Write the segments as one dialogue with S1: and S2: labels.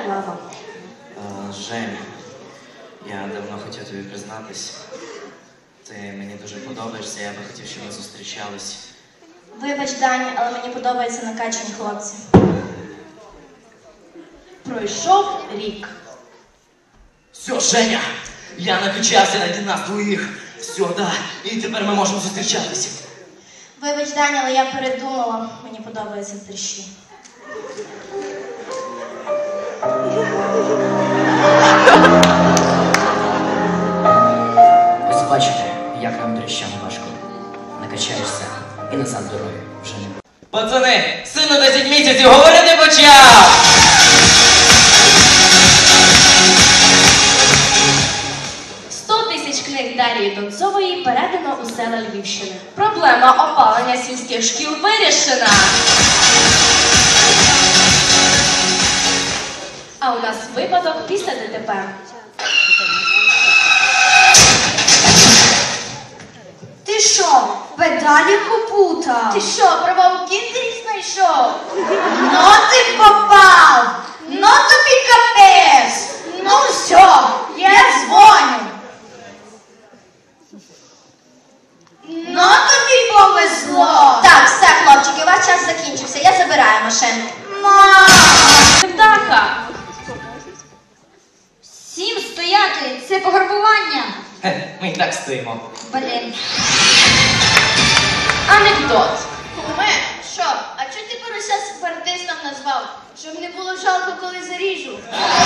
S1: Клава.
S2: Женя, я давно хотів тобі признатись. Ти мені дуже подобаєшся, я би хотів, щоб ми зустрічались.
S1: Вибач, Даня, але мені подобаються накачані хлопці. Пройшов рік.
S2: Все, Женя, я накачався на нас двоїх. Все, да, і тепер ми можемо зустрічатися.
S1: Вибач, Даня, але я передумала. Мені подобаються трещі.
S3: Ось бачите, як нам дрищам важко. Накачаєшся і назад дороги вже не буде.
S2: Пацани, сину 10 місяців, говорити почав!
S1: Книг Дарії Донцової передано у села Львівщини. Проблема опалення сільських шкіл вирішена. А у нас випадок після ДТП.
S4: Ти що, педалі попутав?
S1: Ти що, права у кіндері знайшов?
S4: Ну ти попав! Ну тобі капець! Ну все, я дзвоню. Ну тобі повезло!
S1: Так, все, хлопчики, ваш час закінчився. Я забираю машину.
S4: Мам!
S1: Птаха!
S4: Всім стояти! Це пограбування!
S2: Ми і так стоїмо.
S4: Блін.
S1: Анекдот.
S5: Куме, що? А чого ти порося сепаратистом назвав? Щоб не було жалко, коли заріжу.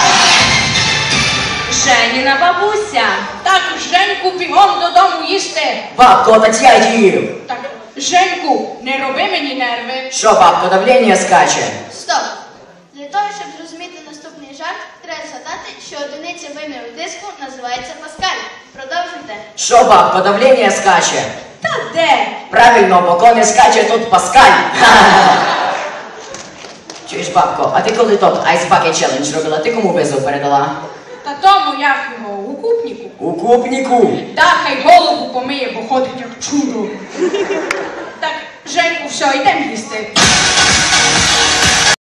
S1: Женіна бабуся.
S6: Так, Женьку, бігом додому їсти.
S3: Бабко, так я їв.
S6: Так, Женьку, не роби мені нерви.
S3: Що, бабко, давлення скаче?
S5: Стоп! Для того, щоб зрозуміти наступний жарт, треба згадати, що одиниця виміру диску називається паскаль. Продовжуйте.
S3: Що, бабко, давлення скаче?
S1: Та де?
S3: Правильно, бо коли скаче, тут Паскаль. Чуєш, бабко, а ти коли тот Ice Bucket Challenge робила, ти кому визов передала?
S6: Та тому, як його, у купніку.
S3: У купніку.
S6: Та хай голову помиє, бо ходить як чудо. Так, Женьку, все, йдемо їсти.